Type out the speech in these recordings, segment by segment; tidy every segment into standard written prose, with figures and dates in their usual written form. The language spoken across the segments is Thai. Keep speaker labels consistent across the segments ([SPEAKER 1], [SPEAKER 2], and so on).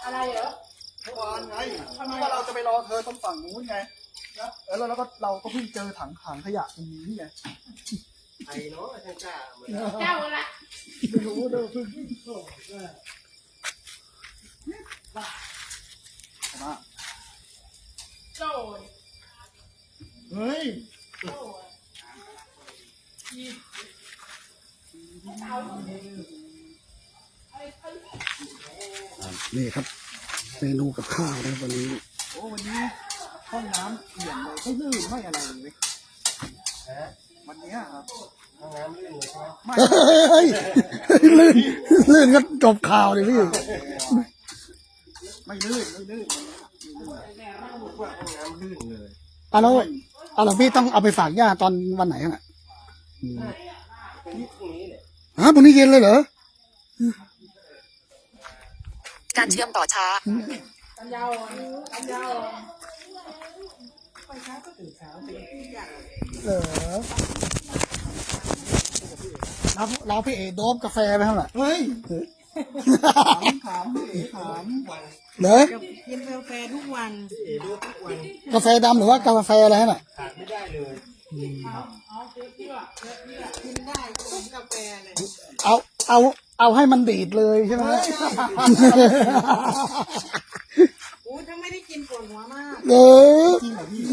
[SPEAKER 1] อะไรเหรอ
[SPEAKER 2] เมื่อวานไงว่าเราจะไปรอเธอตรงฝั่งนู้นไงนะแล้วก็เราก็เพิ่งเจอถังขยะตรงนี้ไง
[SPEAKER 3] ไอ้เนาะช่างกล้า
[SPEAKER 1] เจ้าละ
[SPEAKER 2] ไม่รู้เด้อเพิ่งมา
[SPEAKER 1] โจ้
[SPEAKER 2] เฮ้ยนี่ครับเมนูกับข้าวนะวันนี้โอ้วันนี้ห้องน้ำเปลี่ยนเลยไม่ลื่นไม่อะไรเลยวันนี้ครับ
[SPEAKER 3] ห้องน้ำลื่นเลยใช่ไหม
[SPEAKER 2] ไม่ลื่นก็จบข่าวเลยพี่ไม่ลื่น
[SPEAKER 3] ห้องน้ำลื่นเลย
[SPEAKER 2] แล้วพี่ต้องเอาไปฝากย่าตอนวันไหนอ่ะ
[SPEAKER 3] พรุ่งนี้เนี่ย
[SPEAKER 2] พรุ่งนี้เย็นเลยเหรอ
[SPEAKER 4] การเชื่อมต่อช้า
[SPEAKER 1] กันยาว
[SPEAKER 2] แล้วพี่เอโดบกาแฟไปเท่าไหร่เฮ้ยถามพี่เอถามเหรอ
[SPEAKER 1] กินกาแฟทุกวัน
[SPEAKER 2] กาแฟดำหรือว่ากาแฟอะไรน่ะ
[SPEAKER 3] ขาดไม่ได้เลย
[SPEAKER 1] กินได้กินกาแฟเลย
[SPEAKER 2] เอาให้มันดีดเลยใช่ไหม
[SPEAKER 1] โอ้ถ้าไม่ได้กินปวดหัวมาก
[SPEAKER 2] จริงเหรอพี่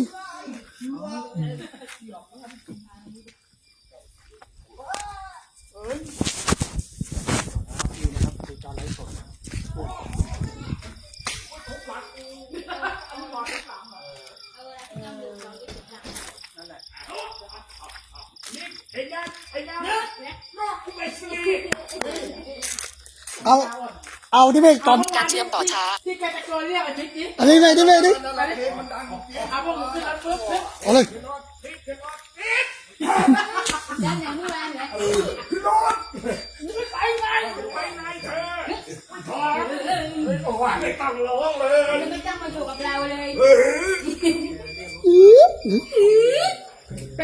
[SPEAKER 2] เอาที่ไม่ตอน
[SPEAKER 4] การเชื่อมต่อช้า
[SPEAKER 1] ที่แกตะโกนเรียก
[SPEAKER 2] อันนี้ไม่ดิ
[SPEAKER 1] เอาพวกมึงขึ้นรถปุ๊บ
[SPEAKER 2] เอาเลย
[SPEAKER 1] ยันอย่างนี้แรงเลย
[SPEAKER 3] ขึ้นรถ
[SPEAKER 1] ไปไง
[SPEAKER 3] เธอพอโอ้ยไม่ต้องร้องเลย
[SPEAKER 1] ไม่ต้องมาอยู่กับเราเลยไป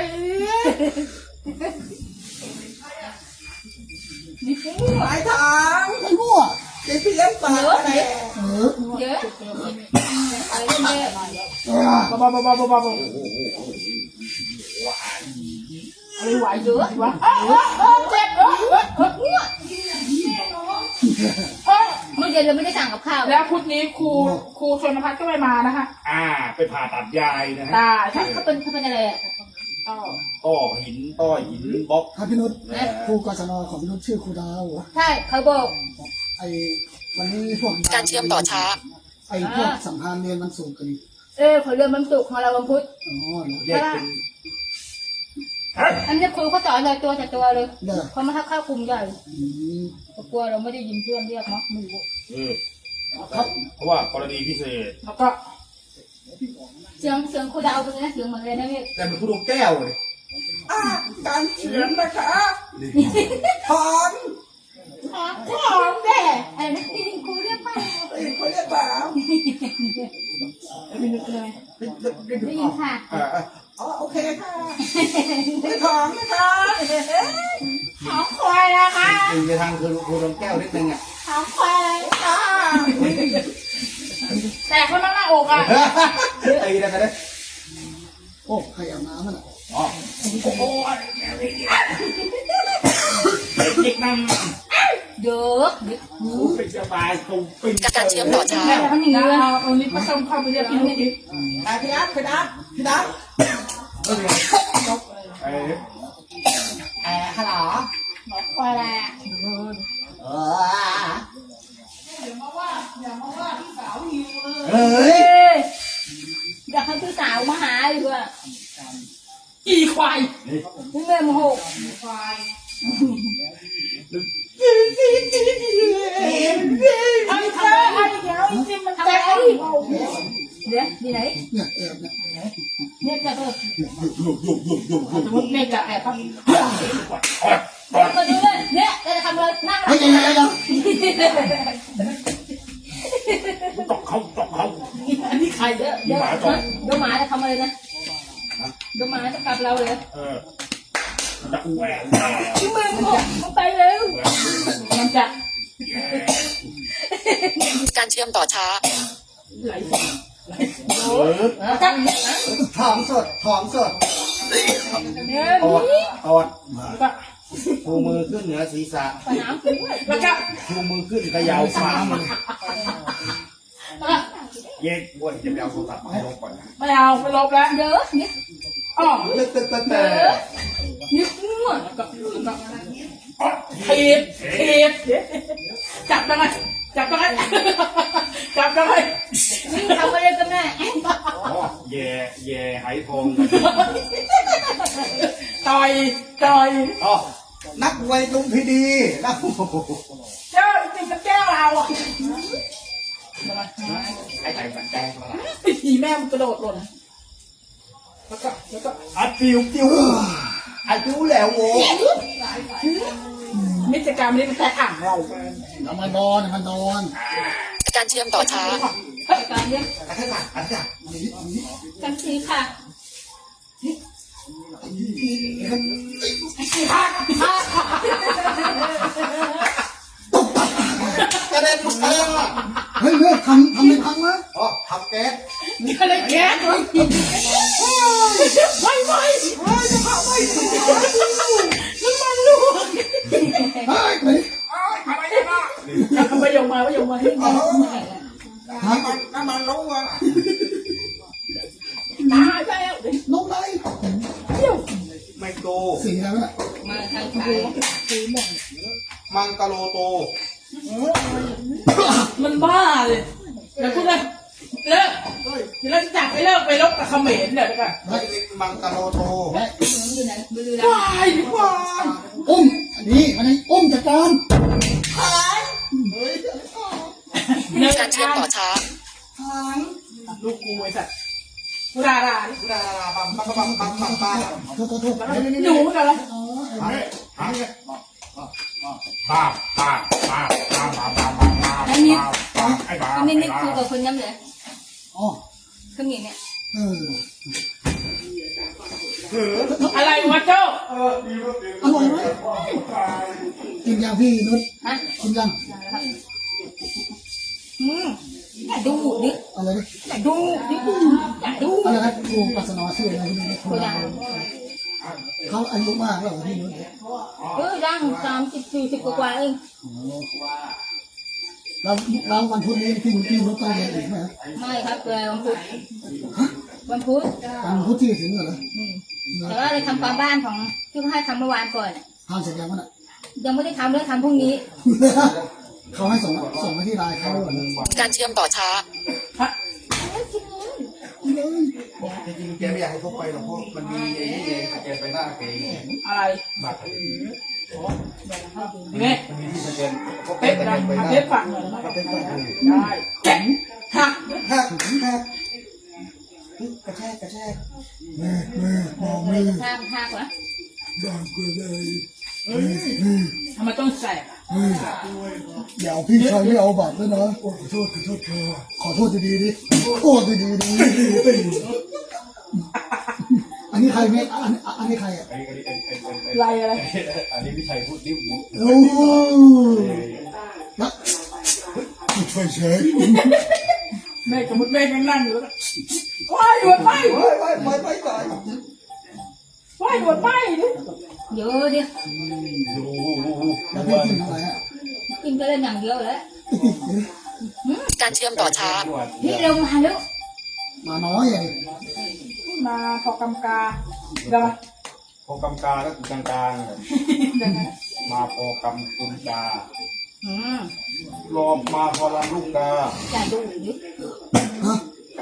[SPEAKER 1] นี่ฟูหลายทาง
[SPEAKER 2] ไอ้มั่ว
[SPEAKER 1] เดี๋ยวพี่เลี้ยงปลาอะไรเยอะอะไรเนี่ย
[SPEAKER 2] บ้า
[SPEAKER 1] อะไรไหวเยอะวะเจ็บเมื่อเย็นเราไม่ได้สั่งกับข้าวแล้วพุธนี้ครูชนพัฒน์ก็ไม่มานะคะ
[SPEAKER 3] ไปผ่าตัดยายนะฮะ
[SPEAKER 1] เขาเป็นอะไรอ่ะ
[SPEAKER 3] ต้อหินบล็อก
[SPEAKER 2] ครับพี่นุชครูกศนของพี่นุชชื่อครูดาว
[SPEAKER 1] ใช่เขาบอก
[SPEAKER 2] ไอ้วันนี้พวก
[SPEAKER 4] การเชื่อมต่อช้า
[SPEAKER 2] ไอ้พวกสัมพันธ์เรียนวันศุกร์กัน
[SPEAKER 1] เขาเรียนวันศุกร์ของเราวันพุธ
[SPEAKER 3] แยกเป็น
[SPEAKER 1] อันนี้ครูเขาสอนเลยตัวแต่ตัวเลยเขามาเข้ากลุ่มใหญ่กลัวเราไม่ได้ยินเพื่อนเรียกเนาะไม่รู้
[SPEAKER 3] เพราะว่ากรณีพิเศษ
[SPEAKER 1] แล้วก็เสียงครูดาวเป็นไงเสียงเหมือนเลยนะพี่
[SPEAKER 3] แต่เป็นครูดวงแก้วเลย
[SPEAKER 1] การเขียนนะคะของแด่อะไรนะที่ครูเรียกป้า
[SPEAKER 3] เขาเรียกป้า
[SPEAKER 1] ไม่นึกเลยได้ยินค่ะ
[SPEAKER 3] โอเคค่ะ
[SPEAKER 1] ไม่ของนะคะของควายนะคะ
[SPEAKER 3] ไปทางครูดวงแก้วนิดนึง
[SPEAKER 1] ของควายค่ะแต่คนนั่งหน้าอกอ่ะ
[SPEAKER 3] ไอ้นั่นนะ
[SPEAKER 2] โอ้ใครอาบน้ำมันอ่ะ
[SPEAKER 3] โอ้เด็กนั่ง
[SPEAKER 1] เยอะ
[SPEAKER 3] เป็นสบายตรงเป็น
[SPEAKER 4] การเชื่อมต่อช้า
[SPEAKER 1] ทำอย่างนี้เอานี้ก็ต้องเข้าไปเรียกพี่นุ๊กดิพี่นัท
[SPEAKER 3] ฮัลโหล
[SPEAKER 1] หมอควายอะไร
[SPEAKER 3] เฮ้ย
[SPEAKER 1] อยากให้พี่สาวมาหาดีกว่าอีควายพี่เมย์โมโหควายไอ้เจ้าไอ้เดี๋ยวจริงมันแตกเดี๋ยวที่ไหนเนี่ยจะเถอะเนี่ยจะแอบครับมาดูเลยเนี่ยจะทำอะไรนั่ง
[SPEAKER 3] ตกเขา
[SPEAKER 1] อันนี้ใครเดี๋ยวหมาจะทำอะไรนะเดี๋ยวหมาจะกัดเราเลย
[SPEAKER 3] จะแหวก
[SPEAKER 1] ที่มือมันไปเร็วมันจะ
[SPEAKER 4] การเชื่อมต่อช้า
[SPEAKER 2] ถอมสดถอมสด
[SPEAKER 1] เนี่ย
[SPEAKER 2] อด
[SPEAKER 1] นี่
[SPEAKER 2] อดชูมือขึ้นเหนือศีรษะ
[SPEAKER 1] ปน้ำด้วย
[SPEAKER 3] แล้วก็
[SPEAKER 2] ชูมือขึ้นเขย่าฟ้ามัน
[SPEAKER 3] เย็นบ้วนจะไปเอาโทรศัพท์มาให้ลบก่อนนะ
[SPEAKER 5] ไม่เอาไปลบแล้ว
[SPEAKER 1] เยอะเนี่ย
[SPEAKER 5] อ๋อ
[SPEAKER 2] แต่
[SPEAKER 1] นี่มั่ว
[SPEAKER 5] ถีบถีบจับยังไงจับยังไงจับยังไง
[SPEAKER 1] นี่ทำอะไรกันแน่
[SPEAKER 3] อ๋อแย่ไหทอง
[SPEAKER 5] ต่อยต่อย
[SPEAKER 2] อ๋อนักมวยลุมพินีนัก
[SPEAKER 5] เจ้าจริงๆแก้วเราอ่ะ
[SPEAKER 3] ไอ้ไก่บันแดงมาละ
[SPEAKER 5] ทีแม่มันกระโดดหล่นแล้วก็
[SPEAKER 2] อัดปิวปิวอัดปิวแล้วโว้
[SPEAKER 5] มิจกรรมนี้มันแต่อ่างเรา
[SPEAKER 2] มันนอนมันนอน
[SPEAKER 4] การเชื่อมต่อช้า
[SPEAKER 1] การเลี้ยง
[SPEAKER 2] อันนี้อันนี้
[SPEAKER 1] กันสีค่ะ
[SPEAKER 2] กระเด็นไปอ่ะเฮ้ยเลิกทำไม่พังนะอ๋อทำแก๊ส
[SPEAKER 5] มีอะไรแก๊สไม่จะเผาไม่น้ำมันรั่ว
[SPEAKER 2] เฮ้ยไป
[SPEAKER 5] ไปยงมาที่มา
[SPEAKER 2] น้ำมันลงอ่ะ
[SPEAKER 5] ตายแล้ว
[SPEAKER 2] ลงไหน
[SPEAKER 5] เที่ยว
[SPEAKER 2] ไมโต
[SPEAKER 6] สีแล้วน่ะ
[SPEAKER 1] มาทางไทย
[SPEAKER 2] มังกะโลโต
[SPEAKER 5] มันบ้าเลยเดี๋ยวพูดเลยเลิกเดี๋ยวเราจะจับไปเลิกไปลบกับเขมรเดี๋ยวกัน
[SPEAKER 2] เฮ้ยมังกะโลโต
[SPEAKER 1] อยู่ไหนบุรีรั
[SPEAKER 5] วาม
[SPEAKER 1] ย์
[SPEAKER 5] ยดีกว่า
[SPEAKER 6] อุ้มอันนี้อันนี้อุ้มจัดการ
[SPEAKER 4] การเชื่อมต่อช้า
[SPEAKER 5] ลูกกูไอ้สัตว์กูด่า
[SPEAKER 2] ปั๊มปั๊มปั๊มปั๊มปั๊มปั๊ม
[SPEAKER 6] โทษโทษโทษ
[SPEAKER 5] หนูกันแล้ว
[SPEAKER 3] ป้าไอ้บ้า
[SPEAKER 1] อันนี้นี่ครูกับคนย้ำเลย
[SPEAKER 6] อ๋อ
[SPEAKER 1] คนนี้เนี่ย
[SPEAKER 6] เออ
[SPEAKER 5] อะไรวะเจ้า
[SPEAKER 6] อร่อยไหมกินยังพี่นุช
[SPEAKER 1] ฮะ
[SPEAKER 6] กินยัง
[SPEAKER 1] อย่าดูดิ
[SPEAKER 6] อะไรดิ
[SPEAKER 1] อย่าดูดิอย่าดู
[SPEAKER 6] อะไรนะครูปัสนาชื่ออะไรพี่นุช
[SPEAKER 1] คนดัง
[SPEAKER 6] เขาอายุมากแล้วเหรอพี่นุช
[SPEAKER 1] ดัง30-40กว่าเอง
[SPEAKER 6] แล้ววันพุธนี้พี่นุชต้องเรียนอีกไหม
[SPEAKER 1] ไม่ครับวันพุธวันพุธ
[SPEAKER 6] วันพุธที่ถึงเหรอ
[SPEAKER 1] แต่ว่าเราทำความบ้านของที่เขาให้ทำเมื่อวานก่อน
[SPEAKER 6] ทำเสร็จยังวะน่ะ
[SPEAKER 1] ยังไม่ได้ทำเลยทำพรุ่งนี้
[SPEAKER 6] เขาให้ส่งมาที่ไลน์เขาเหรอ
[SPEAKER 4] การเชื่อมต่อช้า
[SPEAKER 2] จริงๆแกไม่อยากให้พกไปหรอกเพราะมันมีไอ้นี่เองแกไปหน้าแก
[SPEAKER 5] อะไร
[SPEAKER 2] บัตร
[SPEAKER 5] นี่
[SPEAKER 2] มันมีที่สแกนพกไป
[SPEAKER 5] เป๊ะ
[SPEAKER 2] สแก
[SPEAKER 5] นะ
[SPEAKER 2] นไปหน้า
[SPEAKER 5] เป๊ะฝั่งเลยนะได้แข็งหัก
[SPEAKER 2] หักหักกระแทกกระแทก
[SPEAKER 6] มือมองมือ
[SPEAKER 1] ห้ากว่า
[SPEAKER 6] ดังกว่าเลย
[SPEAKER 5] ทำไมต้องแสบ
[SPEAKER 6] เดี๋ยวพี่ชายไม่เอาบัตรด้วยนะขอโทษเธอขอโทษดีๆดิโทษดีๆดิอันนี้ใครไม่อันนี้ใครอ่ะ
[SPEAKER 5] อะไร
[SPEAKER 3] อันนี้พี่ชัยพูดดิ้ว
[SPEAKER 6] โอ้นะช่วยเช็ค
[SPEAKER 5] แม่สมมติแม่ยังนั่งอยู่แล้วว้ายหยุดไป
[SPEAKER 2] ไปก่อน
[SPEAKER 5] ว้ายหยุดไปดิ
[SPEAKER 1] เยอะดิ
[SPEAKER 6] แล้วพี่กินอะไรอ่ะ
[SPEAKER 1] กินก็เล่นอย่างเดียวแล้ว
[SPEAKER 4] การเชื่อมต่อช้า
[SPEAKER 1] นี่เรามาแล้ว
[SPEAKER 6] มาน้อยอ่ะ
[SPEAKER 5] มาพอกำกาเดี๋ยว
[SPEAKER 3] พอกำกาก็คือกลางมาพอกำกุมการอมาพอลำลูกกา
[SPEAKER 1] อย่าดูดิ
[SPEAKER 6] ฮะ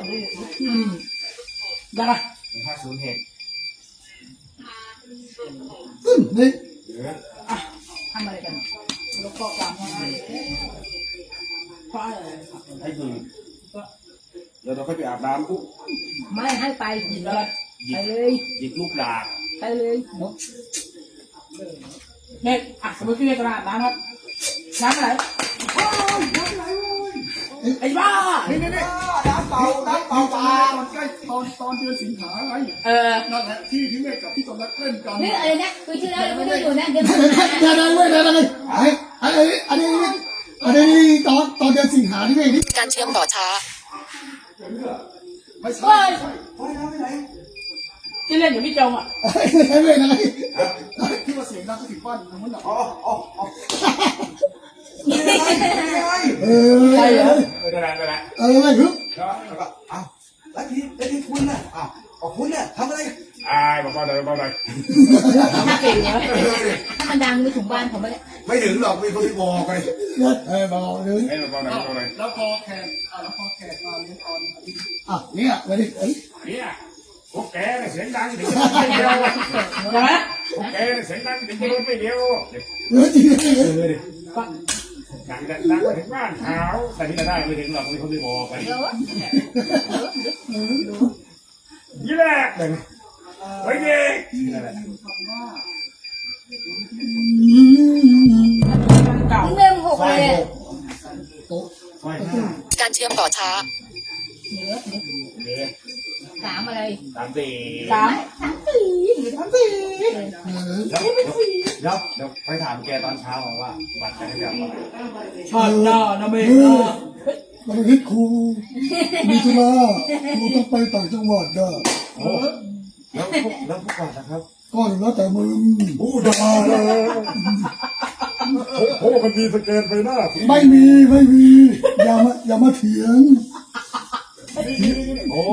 [SPEAKER 5] เดี๋ยว
[SPEAKER 3] 50เหตุ
[SPEAKER 6] นี่
[SPEAKER 5] ทำอะไรกันแล้วก็กำเพราะอะไร
[SPEAKER 3] ให้ดื่มเดี๋ยวเราค่อยไปอาบน้ำปุ๊บ
[SPEAKER 1] ไม่ให้ไปหยิบเลย
[SPEAKER 3] หยิ
[SPEAKER 1] ไป
[SPEAKER 3] บ
[SPEAKER 1] เลย
[SPEAKER 3] หยิบลูกดาบ
[SPEAKER 1] ไปเลย
[SPEAKER 5] แม่สมมติพี่เมย์กระดาษน้ำครับน้ำอะไรไอ้บ้า
[SPEAKER 2] นี่น้ำเปล่าปลา
[SPEAKER 6] ใกล้ตอนเดือนสิงหาไง
[SPEAKER 5] นั่นแหละ
[SPEAKER 6] ที่พี่เมฆกับพี่สมรักเล่นกัน
[SPEAKER 1] นี่อะไรนะคือที่แล้วเราไม่ได้อยู่นะเดี๋ยว
[SPEAKER 6] เดี๋ยวเลยไอ้อันนี้อันนี้ตอนเดือนสิงหาที่นี่
[SPEAKER 4] การเชื่อมต่อช้า
[SPEAKER 6] ไม่ใช่ไม่ใช่
[SPEAKER 5] ที่เล่นอยู่พี่จงอ่ะ
[SPEAKER 6] ไม่ใช่อะไรที่ว่าเสียงดังก็ถึงบ้านมันหนัก
[SPEAKER 5] ใช่เหรอ
[SPEAKER 3] ไม่ได้ไม่ได้
[SPEAKER 6] ไม่ฮึบ
[SPEAKER 3] แล้วก็อ้าว
[SPEAKER 7] แล้วที่คุณน่ะอ้าวคุณเนี่ยทำอะไร
[SPEAKER 3] บอกว่าเลยบอกเลย
[SPEAKER 5] ถ้าเก่งเนี้ย
[SPEAKER 1] ถ้ามันดังไปถึงบ้านผมไม่ได้
[SPEAKER 7] ไม่ถึงหรอกมีคนที่บอกไป
[SPEAKER 6] บอกเลย
[SPEAKER 3] บอกเลยบอกเลย
[SPEAKER 6] แล้วพอแขกมาเรียนตอนเนี่ยมาดิเอ้ย
[SPEAKER 3] เนี่ยพวกแกเนี่ยเสียงดังถึงไม่เดียว
[SPEAKER 5] ใช่ไหม
[SPEAKER 3] พวกแกเนี่ยเสียงดังถึงไม่เดียว
[SPEAKER 6] จริง
[SPEAKER 3] ดังไปถึงบ้านเขาแต่ที่จะได้ไม่ถึงหรอกมีคนที่บอกไป
[SPEAKER 1] เดี๋ยว
[SPEAKER 3] ยี่แรกเลยเฮ้ยเด็ก
[SPEAKER 5] เก่า
[SPEAKER 1] เริ่มหกเลย
[SPEAKER 6] โต๊ะ
[SPEAKER 4] การเชื่อมต่อช้า
[SPEAKER 1] เหลือ
[SPEAKER 3] เด็ก
[SPEAKER 1] สามอะไร
[SPEAKER 3] 3 4
[SPEAKER 5] สาม
[SPEAKER 1] สามสี่
[SPEAKER 3] แล้วไปถามแกตอนเช้าว่าบัตรใครจะเอา
[SPEAKER 5] ช็อตนอนเมฆ
[SPEAKER 6] มันคิดครูมีธุระครูต้องไปต่างจังหวัดด้ะ
[SPEAKER 3] โอ้แล้วพวกก่อนนะครับ
[SPEAKER 6] ก็แล้วแต่มึง
[SPEAKER 3] ด่าเลยโอ้มันมีสแกนไปหน้า
[SPEAKER 6] ไม่มีอย่ามาเถียง
[SPEAKER 3] โอ้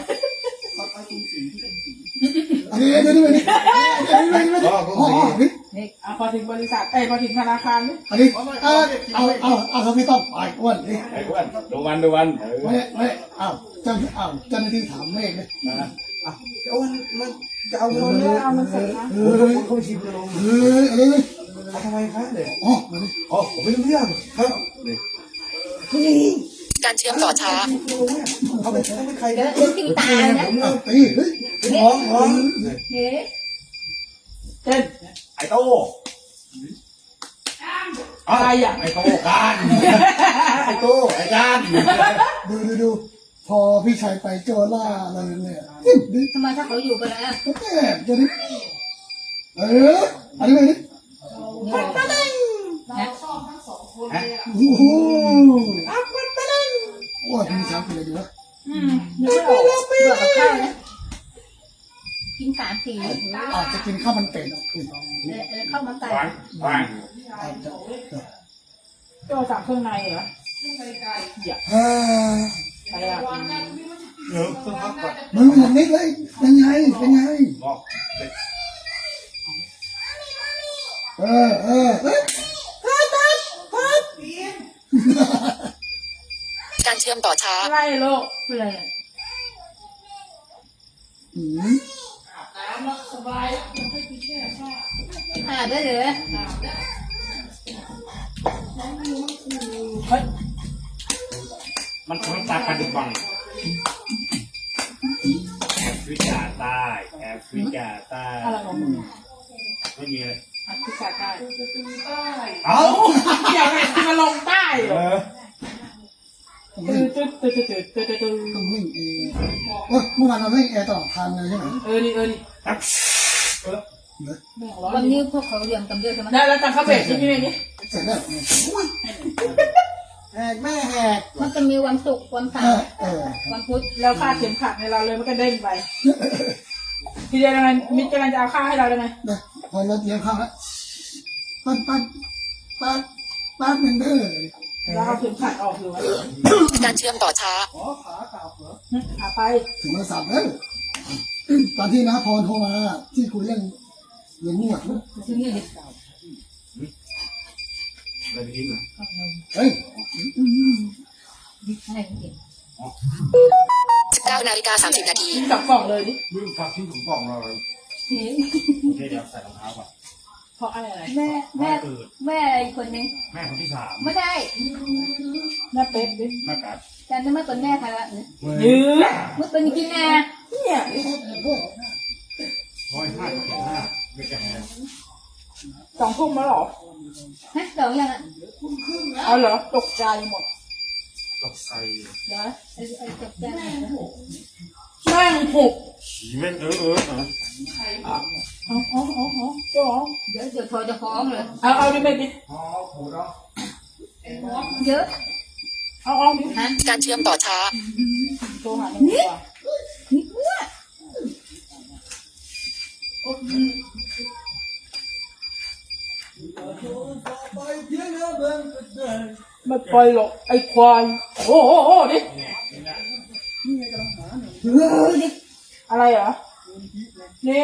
[SPEAKER 6] อันนี้เดี๋ยวนี่
[SPEAKER 5] พอถึงบริษัทพอถึงธนาคารนี่
[SPEAKER 6] อันนี้เอาเขาไม่ต้องไปอ้วนนี่
[SPEAKER 3] ไอ้อ้วนดูวัน
[SPEAKER 6] ไม่เจ้าหน้าที่ถามเมฆเลย
[SPEAKER 7] มันจะเอาเงิน
[SPEAKER 5] เอามันเสร็จนะ
[SPEAKER 7] เขาชิมกันลง
[SPEAKER 6] อะไรเลย
[SPEAKER 7] ทำไมครับเนี่ย
[SPEAKER 6] มาดิ
[SPEAKER 7] ผมไม่รู้เรื่องครับ
[SPEAKER 4] การเชื่อมต่อช้า
[SPEAKER 7] เขาเป็นใคร
[SPEAKER 1] เดี๋ยวตีตายนะ
[SPEAKER 6] ตีเฮ้ย
[SPEAKER 7] ท้อง
[SPEAKER 1] เฮ้ย
[SPEAKER 5] เช่น
[SPEAKER 3] ไอ้โต้
[SPEAKER 5] อะไรอ่ะ
[SPEAKER 3] ไอ้โต้การไอ้โต้ไอ้การ
[SPEAKER 6] ดูพอพี่ชายไปเจอล่าอะไรเนี่ยดิ
[SPEAKER 1] ทำไมถ้าเขาอยู่ไปแล้ว
[SPEAKER 6] แม่จะดิอันนี้เลยดิ โอ้โหว่าพี่ชายเป็นอะไรดีวะ
[SPEAKER 5] ยังไม่ออก
[SPEAKER 1] เบื่อกับข้าวนะกิน3 4
[SPEAKER 6] อาจจะกินข้าวมันเป็ด
[SPEAKER 1] ข้าวมันไก่
[SPEAKER 3] วาง
[SPEAKER 5] ก็สั่งเครื่องในเหรอ อะไรอ่ะ
[SPEAKER 3] เดี๋ยวต้องพักก่อน
[SPEAKER 6] มึงอย่างนี้เลยเป็นไง
[SPEAKER 3] บอก
[SPEAKER 4] การเชื่อมต่อช้า
[SPEAKER 5] อะไรลูก
[SPEAKER 1] เป็นไรอ่ะ
[SPEAKER 5] สบาย
[SPEAKER 1] อาบได้เลย
[SPEAKER 3] มันต้องตาปัจจุบันแอฟริกาใต้แอฟริกาใต้
[SPEAKER 5] อะไรของมึง
[SPEAKER 3] ไม่มีเลย
[SPEAKER 5] อัดพิซซ่าใต้
[SPEAKER 3] เอ้า
[SPEAKER 5] เดี๋ยวไงที่มาลงใต้เหรอ
[SPEAKER 6] ต้องวิ่งเองเมื่อวานเราวิ่งแอร์ตลอดทางเลยใช่ไหม
[SPEAKER 5] นี่
[SPEAKER 1] วันนี้พวกเขาเรียนกันเยอะใช่ไหม
[SPEAKER 5] ได้แล้วจังเขาเบรกที่นี่นี่
[SPEAKER 6] เสร็จแล้ว
[SPEAKER 7] แม่แหก
[SPEAKER 1] มันจะมีวันศุกร์วันเสาร์วันพุธ
[SPEAKER 5] แล้วค่าเข็มขัดในเราเลยมันก็เด้งไปทีเดียวยังไงมิตรกำลังจะเอาค่าให้เราเลยไง
[SPEAKER 6] พอรถเลี้ยงข้าวแล้วปั้นเป็นเด้อ
[SPEAKER 5] เราเอาเข็มขัดออกอยู่ไหม
[SPEAKER 4] การเชื่อมต่อช้า
[SPEAKER 5] หาไป
[SPEAKER 6] ถึงโทรศัพท์แล้วตอนที่น้าพรโทรมาที่คุยเรื่องเงินนวด
[SPEAKER 1] ที่นี่ดิ
[SPEAKER 3] อะไรไปกินเหรอ
[SPEAKER 6] เฮ้ย
[SPEAKER 1] ให้เด็ก
[SPEAKER 4] 19 นาฬิกา 30 นาที
[SPEAKER 5] กินกับกล่องเลยดิ
[SPEAKER 3] ลืมฝากทิ้งถุงกล่องเราเลย
[SPEAKER 1] เฮ้ย
[SPEAKER 3] โอเคเดี๋ยวใส่รองเท้าก่อน
[SPEAKER 5] เพราะอะไร
[SPEAKER 1] แม่อีกคนนึง
[SPEAKER 3] แม่คนที่3
[SPEAKER 1] ไม่ได้
[SPEAKER 5] หน้าเป๊ะดิ
[SPEAKER 3] แม่กัด
[SPEAKER 1] แต่จะไม่เป็นแม่ใครละ
[SPEAKER 5] ยื้อ
[SPEAKER 1] ไม่เป็นกินแน่
[SPEAKER 5] เนี่ย
[SPEAKER 3] 105.5ไม่แก่
[SPEAKER 5] 2 ทุ่มแล้วหรอ
[SPEAKER 1] ฮะสองยังอ่ะ
[SPEAKER 5] เอาเหรอตกใจหมด
[SPEAKER 3] ตกใส่
[SPEAKER 5] เดี๋ยว
[SPEAKER 1] ไอ้จบใจ
[SPEAKER 5] แม่งหุบ
[SPEAKER 3] ฉีแม่งเออ
[SPEAKER 5] อ๋อเจ้า
[SPEAKER 1] เดี๋ยวเธอจะฟ้องเลย
[SPEAKER 5] เอาดิเมดิ
[SPEAKER 3] อ๋อโหเนาะ
[SPEAKER 1] เยอะ
[SPEAKER 5] เอาเอาดิ
[SPEAKER 1] ฮะ
[SPEAKER 4] การเชื่อมต่อช้า
[SPEAKER 5] โทรหาหนึ่งดีกว่า
[SPEAKER 1] นี่อ้วน
[SPEAKER 5] ไม่ปล่อยหรอกไอ้ควายโอ้โหดิ อะไรเหรอนี่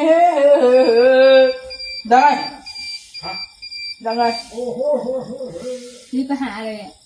[SPEAKER 5] ได้ยังไง
[SPEAKER 1] นี่ไปหาเลยอ่ะ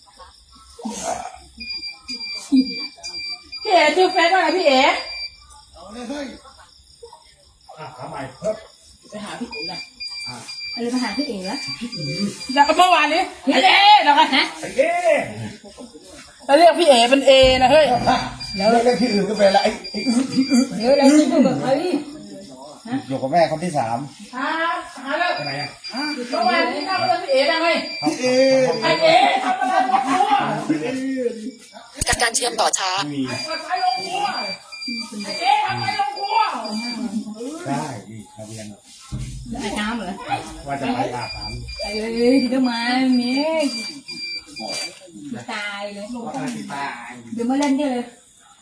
[SPEAKER 5] พี่เอ๋ชื่อเฟซว่าอะไรพี่เอ๋
[SPEAKER 6] เอาเลยเฮ้ย
[SPEAKER 3] ทำไมเพิ่ม
[SPEAKER 5] ไปหาพี่เอ๋นะ
[SPEAKER 1] อะไรไปหาพี่เอ๋วะ
[SPEAKER 5] แล้วเมื่อวานนี้ไอ้เอ๋แล้วกัน
[SPEAKER 1] ฮะ
[SPEAKER 3] ไอ้เอ๊ะ
[SPEAKER 5] แล้วเรียกพี่เอ๋เป็นเอนะเฮ้ย
[SPEAKER 7] แล้วเรียกที่อื่นก็เป็นละไอ้อื้อที่อื้อ
[SPEAKER 1] เดี๋ยวเราจะดูแบบเฮ้ย
[SPEAKER 7] อยู่กับแม่คนที่สาม
[SPEAKER 5] หาแล้ว
[SPEAKER 3] ไปไหนอ่ะ
[SPEAKER 5] เมื่อวานนี้ทำอะไรพี่เอ๋ยังไง
[SPEAKER 7] พี่เอ
[SPEAKER 5] ไอ้เอ๋ทำอะไรลงครัว
[SPEAKER 4] การเชื่อมต่อช้า
[SPEAKER 3] มี
[SPEAKER 5] ทำอะไรลงครัวไอ้เอ๋ทำอะไรลงครัว
[SPEAKER 7] ได้ดิทะเบียน
[SPEAKER 1] อาบน้ำเหรอ
[SPEAKER 3] ว่าจะไปอาบน้
[SPEAKER 1] เอ้ยเดี๋ยวมาเนี่ยตายเลยเดี๋ยวมาเล่นด้วยเลย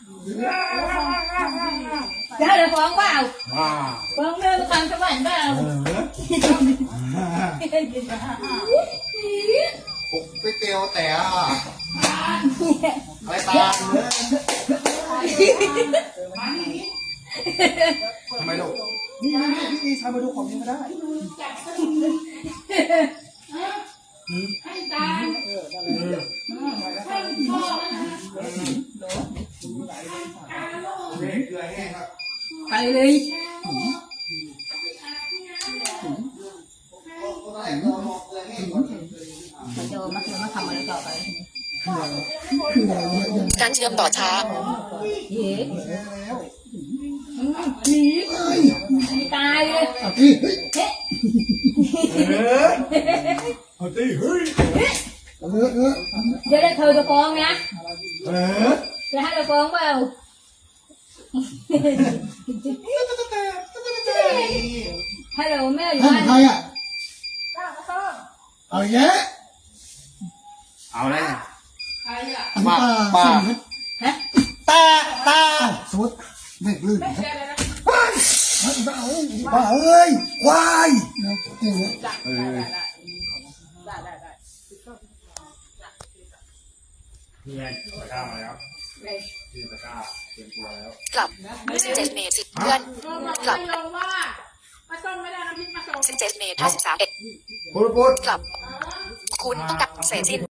[SPEAKER 1] จะให้เราฟ้องเปล่า
[SPEAKER 3] ำว้า
[SPEAKER 1] ฟ้องเรื่องความสวรรค์เปล่า
[SPEAKER 7] ไปเตียวแต่อะไรตามทำไมลูกนี่พี่ชายมาดูของยังไม่ได้
[SPEAKER 1] ไปเลยมันจะมาทำอะไรต่อไป
[SPEAKER 4] การเชื่อมต่อช้า
[SPEAKER 1] เย้หนีตายเลย
[SPEAKER 6] เอาพี่เฮ้ย
[SPEAKER 3] เฮ้ยเอาตีเฮ้ย
[SPEAKER 1] เดี๋ยวได้เธอจะฟ้องนะจะให้เราฟ้องเปล่าฮัลโหลแม่อยู่
[SPEAKER 6] ท่าน
[SPEAKER 1] บ้าน
[SPEAKER 6] ใครอ่ะเอาแยะ
[SPEAKER 3] เอาแล้ว
[SPEAKER 6] อันนี้ป้า
[SPEAKER 1] ฮะ
[SPEAKER 7] ตา
[SPEAKER 6] สมมติเด็กลื่นป้าเอ้ยควายนะเจ๋งเลย
[SPEAKER 3] นี่ไงตะกร้ามาแล้วที่ตะกร้าเตรียมตัวแล้ว
[SPEAKER 4] กลับ17เมษเพื่อนกลับ
[SPEAKER 5] มาส่งไม่ได้น้ำพริกมาส่ง
[SPEAKER 4] 17เมษ53
[SPEAKER 7] พูด
[SPEAKER 4] กลับ คุณต้องกลับเสร็จสิ้น